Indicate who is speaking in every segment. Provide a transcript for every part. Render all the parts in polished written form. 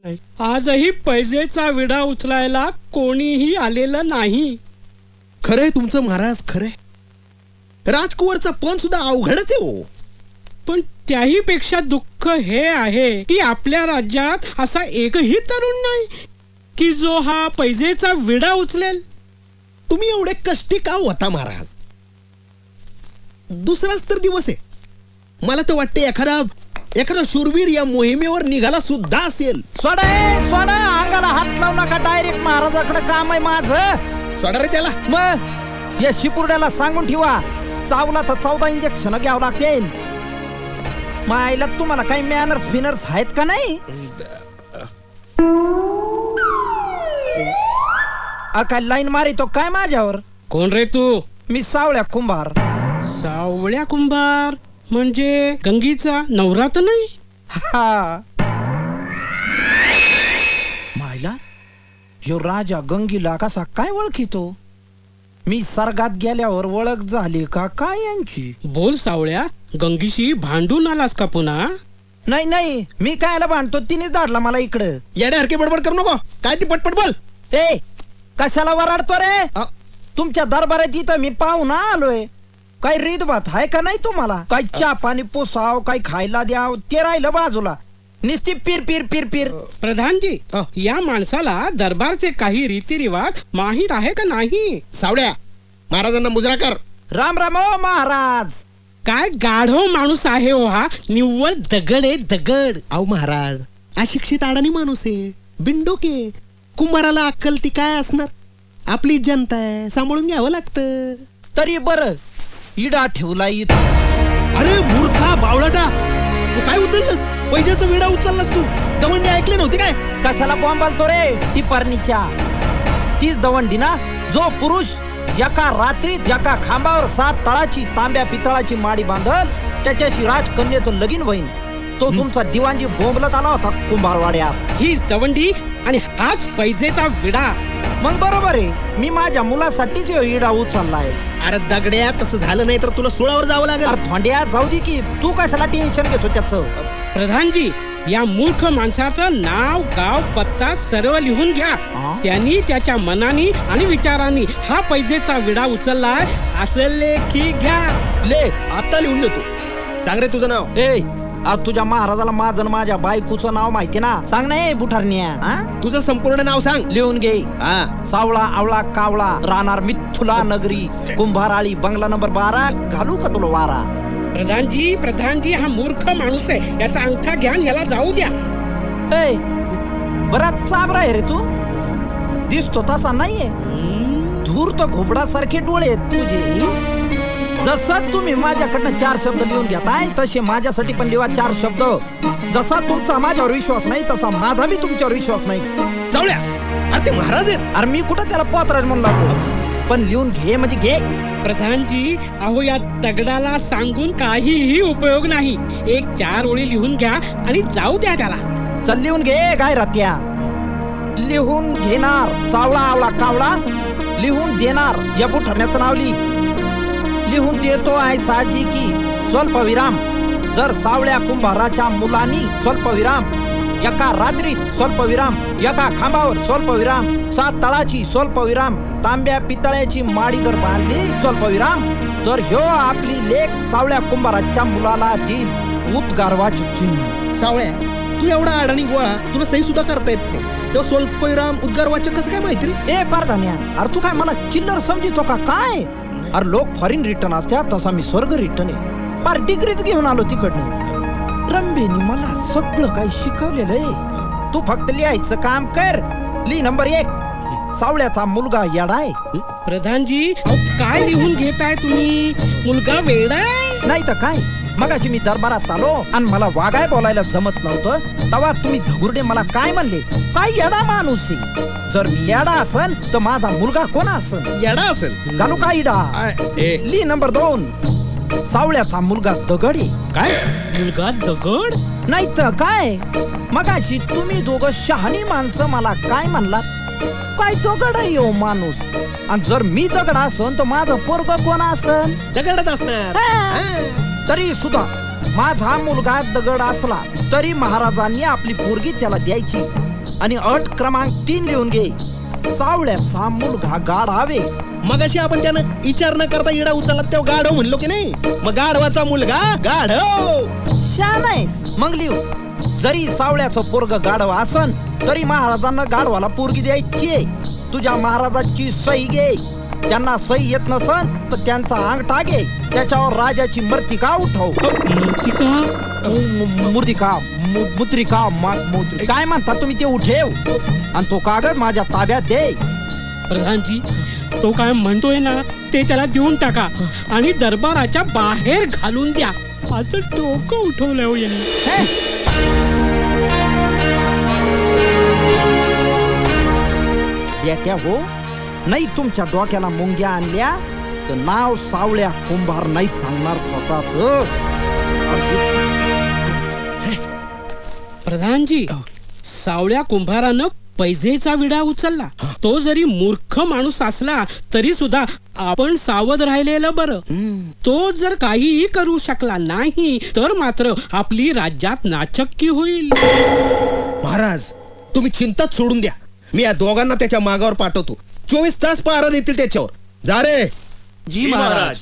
Speaker 1: आजही पैजेचा विडा उचलायला कोणीही आलेलं नाही.
Speaker 2: खरंय तुमचं महाराज, खरंय. राजकुवरचा पण सुद्धा अवघडच आहे हो.
Speaker 1: पण त्याही पेक्षा दुःख हे आहे की आपल्या राज्यात असा एकही तरुण नाही की जो हा पैजेचा विडा उचलेल.
Speaker 2: तुम्ही एवढे कष्टी का होता महाराज? दुसराच तर दिवस आहे. मला तर वाटते एखादा शूरवीर या मोहिमेवर निघाला सुद्धा असेल.
Speaker 3: सोडा अंगाला हात लावू नका. डायरेक्ट महाराजाकडे काम आहे माझं.
Speaker 2: सोडा रे त्याला.
Speaker 3: मग या शिपुर्ड्याला सांगून ठेवा, चावला तर 14 इंजेक्शन घ्यावं लागते. मायला तुम्हाला काही मॅनर्स फिनर्स आहेत का नाही? काय लाईन मारितो काय माझ्यावर?
Speaker 1: कोण रे तू?
Speaker 3: मी सावळ्या कुंभार.
Speaker 1: सावळ्या कुंभार म्हणजे गंगीचा नवरा तर नाही?
Speaker 3: हा. मायला यो राजा गंगीला कसा काय ओळखितो? मी सर्गात गेल्यावर ओळख झाली का काय यांची?
Speaker 1: बोल सावळ्या, गंगीशी भांडून आलास का पुन्हा?
Speaker 3: नाही, मी कायला भांडतो? तिनेच धाडला मला इकडं.
Speaker 2: येड्यासारखी बडबड करू नको. काय ती पटपट बोल.
Speaker 3: ए कशाला वराडतो रे? तुमच्या दरबारात इथं मी पाहुणा आलोय. काही रीतभात आहे का नाही तुम्हाला? काही चहा पाणी पोसाव, काही खायला द्याव, ते राहिलं बाजूला. निस्ती पीर पीर पीर पीर.
Speaker 1: प्रधानजी, या माणसाला दरबारचे काही रीतिरिवाज माहित आहे का नाही?
Speaker 2: सावड्या, महाराजांना मुजरा कर.
Speaker 3: राम राम ओ महाराज.
Speaker 1: काय गाढव माणूस आहे हो हा. निव्वळ दगड आहे दगड.
Speaker 2: अहो महाराज, अशिक्षित अडाणी माणूस आहे, बिंडोके. कुंभाराला अक्कल ती काय असणार? आपली जनता आहे, सांभाळून घ्यावं लागतं.
Speaker 3: तरी बर इडा ठेवला इथं.
Speaker 2: अरे मूर्खा बावळटा, तू काय उचललंस? पैशाचा विडा उचललास तू. दवंडी ऐकले नव्हते काय?
Speaker 3: कशाला बॉम्ब घालतो रे? ती पर्णीच्या तीच दवंडी ना जो पुरुष एका रात्रीत एका खांबावर 7 तळाची तांब्या पितळाची माडी बांधल त्याच्याशी राजकन्याचं लगीन होईन. तो तुमचा दिवाणजी बोंबलत आला होता कुंभारवाड्यात.
Speaker 1: हीच दवंडी आणि हाच पैजेचा विडा.
Speaker 3: मग बरोबर आहे, मी माझ्या मुलासाठीच इडा उचललाय.
Speaker 2: अरे दगड्या, तसं झालं नाही तर तुला सुळावर जावं लागेल.
Speaker 3: अरे थोंड्या जाऊ दे की, तू कशाला टेन्शन घेतो त्याचं?
Speaker 1: प्रधानजी, या मूर्ख माणसाचं नाव गाव पत्ता सर्व लिहून घ्या. त्यांनी त्याच्या मनानी आणि विचारांनी हा पैजेचा विडा उचललाय असं लेखी घ्या.
Speaker 3: ले
Speaker 2: आता लिहून देतो. सांग रे तुझं नाव.
Speaker 3: ए आज तुझ्या महाराजाला माझं आणि माझ्या बायकोचं नाव माहिती ना? सांग ना बुठारण्या.
Speaker 2: तुझं संपूर्ण नाव सांग.
Speaker 3: लिहून घे. सावळा आवळा कावळा राहणार मिथुला नगरी कुंभाराळी बंगला नंबर 12. घालू का तुला वारा?
Speaker 1: प्रधानजी हा मूर्ख माणूस आहे. याचा अंगठा घ्या, याला जाऊ द्या.
Speaker 3: ए बराच चाबरा आहे रे तू. दिसतो तसा नाहीये. धूर्त घोबडासारखे डोळे आहेत तुझे. जसं तुम्ही माझ्याकडनं 4 शब्द लिहून घेताय तसे माझ्यासाठी पण लिहा 4 शब्द. जसा तुमचा माझ्यावर विश्वास नाही तसा माझा बी तुमच्यावर विश्वास नाही.
Speaker 2: सावळ्या, अरे ते महाराज आहेत.
Speaker 3: अरे मी कुठं त्याला पोतराज म्हणून लागलो? पण लिहून घे म्हणजे घे.
Speaker 1: प्रधानजी, अहो या दगडाला सांगून काहीही उपयोग नाही. 1-4 ओळी लिहून घ्या आणि जाऊ द्या त्याला.
Speaker 3: चल लिहून घे. काय रात्या लिहून घेणार. सावळा आवळा कावळा लिहून देणार. या ठरण्याचं नाव लिहून देतो आहे साजी की स्वल्पविराम. जर सावळ्या कुंभाराच्या मुलांनी स्वल्पविराम, एका रात्री स्वल्पविराम, एका खांबावर स्वल्पविराम, 7 तळाची स्वल्पविराम, तांब्या पितळ्याची माडी जर बांधली स्वल्पविराम, तर ह्यो आपली लेख सावळ्या कुंभाराच्या मुलाला देईल उद्गारवाचक चिन्ह.
Speaker 2: सावळ्या, तू एवढा अडाणी गोळा, तुला सही सुद्धा करता येत नाही. तो स्वल्पविराम उद्गारवाचक कसं काय माहिती रे?
Speaker 3: ए पारधान्या, अरे तू काय मला चिल्लर समजितो का काय? अरे लोक फॉरेन रिटर्न असतात तसा मी स्वर्ग रिटर्न आहे. पार डिग्रीच घेऊन आलो तिकडनं. रंभेनी मला सगळं काही शिकवलेलं आहे. तू फक्त लिहायचं काम कर. लिह नंबर 1, सावळ्याचा मुलगा येडाय.
Speaker 1: प्रधानजी, काय लिहून घेताय तुम्ही? मुलगा वेडाय
Speaker 3: नाही तर काय? मगाशी मी दरबारात आलो आणि मला वागाय बोलायला जमत नव्हतं, तेव्हा तुम्ही धगुर्डे मला काय म्हणले? काय येडा माणूस आहे. जर मी येडा असन तर माझा मुलगा कोण असन?
Speaker 2: येडा असेल.
Speaker 3: घालू का इडा? ली नंबर 2, सावळ्याचा मुलगा दगड आहे.
Speaker 1: काय? मुलगा दगड?
Speaker 3: नाही तर काय? मगाशी तुम्ही दोघं शहाणी माणसं मला काय म्हणलात? काय दगड आहे हो माणूस. आणि जर मी दगड असन तर माझं पोरग कोण असन?
Speaker 2: दगडच असणार.
Speaker 3: तरी सुद्धा माझा मुलगा दगड असला तरी महाराजांनी आपली पोरगी त्याला द्यायची. आणि अट क्रमांक 3 लिहून घे. सावळ्याचा मुलगा गाढावे.
Speaker 2: मगाशी आपण त्यानं विचार न करता इडा उचलला तेव्हा गाढव म्हणलो की नाही, मग गाढवाचा मुलगा गाढव.
Speaker 3: शानायस मग लिहू. जरी सावळ्याचं पोरग गाढव असन तरी महाराजांना गाढवाला पोरगी द्यायची. तुझ्या महाराजाची सही घे. त्यांना सही येत नसन तर त्यांचा अंगठा घे, त्याच्यावर राजाची मर्तिका उठव. मुद्रिका काय म्हणता तुम्ही ते उठेव आणि तो कागद माझ्या ताब्यात दे.
Speaker 1: प्रधानजी, तो काय म्हणतोय ना ते त्याला देऊन टाका आणि दरबाराच्या बाहेर घालून द्या. असं डोकं उठवलंय हो यांनी.
Speaker 3: बेट्या हो, नाही तुमच्या डोक्याला मुंग्या आणल्या तर नाव सावळ्या कुंभार नाही सांगणार स्वतःच.
Speaker 1: प्रधानजी, सावळ्या कुंभारानं पैजेचा विडा उचलला. तो जरी मूर्ख माणूस असला तरी सुद्धा आपण सावध राहिलेलं बरं. तो जर काहीही करू शकला नाही तर मात्र आपली राज्यात नाचक्की होईल.
Speaker 2: महाराज, तुम्ही चिंताच सोडून द्या. मी या दोघांना त्याच्या मागावर पाठवतो. 24 तास पहारा देतील त्याच्यावर. जा रे.
Speaker 4: जी महाराज.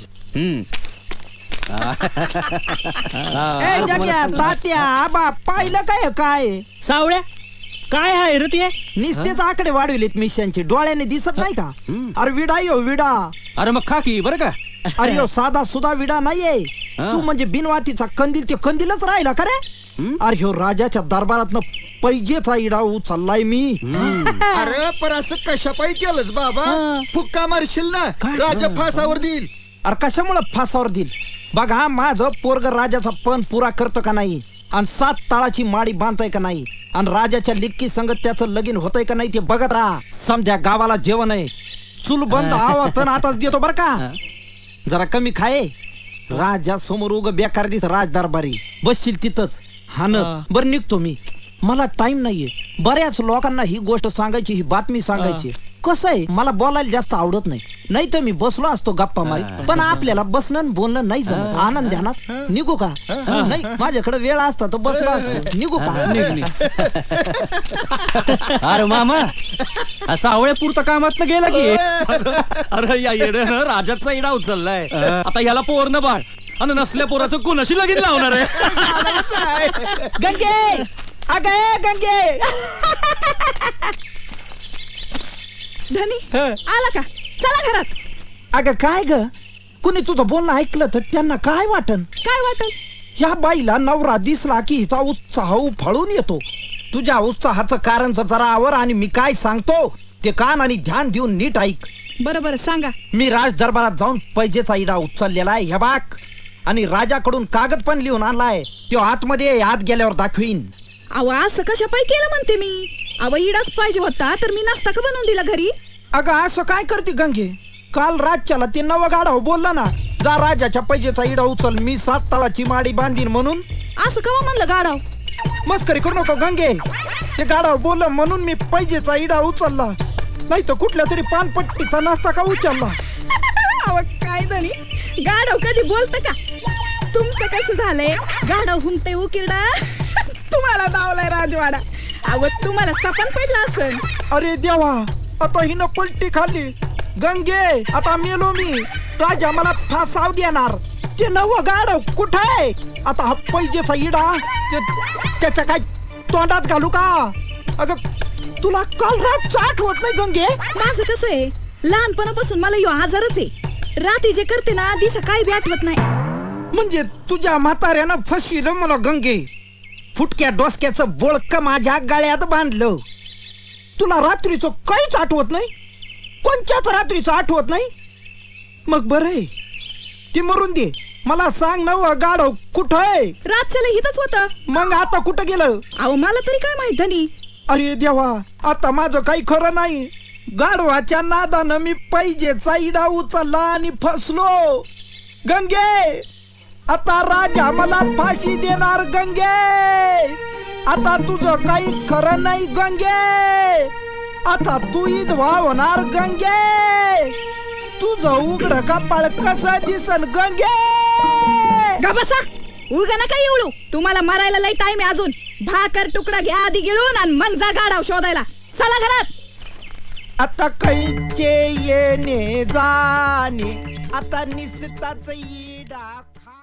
Speaker 3: ए जग्या, तात्या, आबा, पाहिलं काय काय
Speaker 4: सावळ्या, काय आहे रे ते?
Speaker 3: निस्तेच आकडे वाढविलेत मिशनचे. डोळ्याने दिसत नाही का? अरे विडा यो विडा.
Speaker 4: अरे मग खा की बरं का.
Speaker 3: अरे यो साधा सुधा विडा नाहीये. तू म्हणजे बिनवातीचा कंदील ते कंदीलच राहिला का रे? अरे ह्यो राजाच्या दरबारातनं पैजेचा इडा उचललाय मी.
Speaker 5: अरे पर असं कशापायी केलंस बाबा? फुक्का मारशील ना, राजा फासावर देईल.
Speaker 3: अरे कशामुळे फासावर देईल? बघा, माझं पोरग राजाचा पण पुरा करतो का नाही आणि 7 ताळाची माडी बांधताय का नाही आणि राजाच्या लिक्की संगत त्याचं लगीन होतंय का नाही ते बघत राहा. समजा गावाला जेवण आहे, चूल बंद आवाज आताच देतो बर का. जरा कमी खाये. राजा समोर उग बेकार दिस राज दरबारी बसशील तिथंच हानत. बरं निघतो मी, मला टाइम नाहीये. बऱ्याच लोकांना ही गोष्ट सांगायची, ही बातमी सांगायची. कसं आहे, मला बोलायला जास्त आवडत नाही. नाही तर मी बसलो असतो गप्पा मारी, पण आपल्याला बसणं बोलणं नाही जमत. आनंद ध्यानात निघू का? नाही, माझ्याकडे वेळ असता तर बसलो असतो. निघू का?
Speaker 4: अरे मामा, सावळ्या पुरता कामात गेला की. अरे या येड्यानं राजाचा इडा उचललाय. आता याला पोरनं बाळ आणि नसल्या पोराचं कोणाशी लगीन लावणार आहे?
Speaker 3: गंगे, अगे गंगे.
Speaker 6: धनी आला का? चला घरात.
Speaker 3: अगं काय ग, कुणी तुझं बोलणं ऐकलं तर त्यांना काय वाटन?
Speaker 6: काय वाटल?
Speaker 3: ह्या बाईला नवरा दिसला की हिचा उत्साह उफाळून येतो. तुझ्या उत्साहाचं कारण जरा आवर आणि मी काय सांगतो ते कान आणि ध्यान देऊन नीट ऐक.
Speaker 6: बरं सांगा.
Speaker 3: मी राज दरबारात जाऊन पैजेचा इडा उचललेला आहे हे बाक, आणि राजाकडून कागद पण लिहून आणलाय. तो आतमध्ये आत गेल्यावर दाखवीन.
Speaker 6: अहो असं कशा पाय केलं म्हणते मी? अहो इडाच पाहिजे होता तर मी नसता का बनवून दिला घरी?
Speaker 3: अगं असं काय करते गंगे? काल राजच्याला ते नवं गाढव बोलला ना, जा राजाच्या पैजेचा इडा उचल, मी 7 ताळाची माडी बांधीन म्हणून.
Speaker 6: असं कवा म्हणलं गाढव?
Speaker 3: मस्करी करू नको गंगे. ते गाढव बोललं म्हणून मी पैजेचा इडा उचलला, नाही तर कुठल्या तरी पानपट्टीचा नाश्ता का उचलला.
Speaker 6: अहो काय धनी, गाढव कधी बोलत का? तुमचं कसं झालंय, गाढव हुंते उकिरडा तुम्हाला दावलाय राजवाडा. अहो तुम्हाला सपन पडला असेल.
Speaker 3: अरे देवा, आता हिनं पलटी खाल्ली. गंगे, आता मेलो मी. राजा मला फासाव देणार. ते नवं गाढव कुठं आहे? आता हा पैजेचा इडा त्याच्या काय तोंडात घालू का? अगं तुला काल रातचं आठवत नाही गंगे?
Speaker 6: माझं कसं आहे, लहानपणापासून मला यो आजारच आहे. रात्री जे करते ना दिसा काही बी आठवत नाही.
Speaker 3: म्हणजे तुझ्या म्हाताऱ्यानं फसविलं मला गंगे. फुटक्या डोसक्याचं बोळक माझ्या गळ्यात बांधलं. तुला रात्रीचं काहीच आठवत नाही? कोणत्याच रात्रीचं आठवत नाही? मग बरं आहे, ते मरून दे. मला सांग, नवं गाढव कुठं आहे?
Speaker 6: रातच्याला हितच होतं.
Speaker 3: मग आता कुठं गेलं?
Speaker 6: अहो मला तरी काय माहित धनी.
Speaker 3: अरे देवा, आता माझं काही खरं नाही. गाढवाच्या नादानं मी पैजेचा इडा उचलला आणि फसलो. गंगे, आता राजा मला फाशी देणार. गंगे, आता तुझं काही खरं नाही. गंगे, आता तू विधवा होणार. गंगे, तुझं उघड कपाळ कसं दिसन? गंगे,
Speaker 6: गा बसा, उगा नका एवढू. तुम्हाला मारायला लई टाइम आहे अजून. भाकर तुकडा घ्या आधी गिळून आणि मग जा गाढव शोधायला. चला घरात.
Speaker 3: आता कैचे येणे जाणे आता निसताच येडा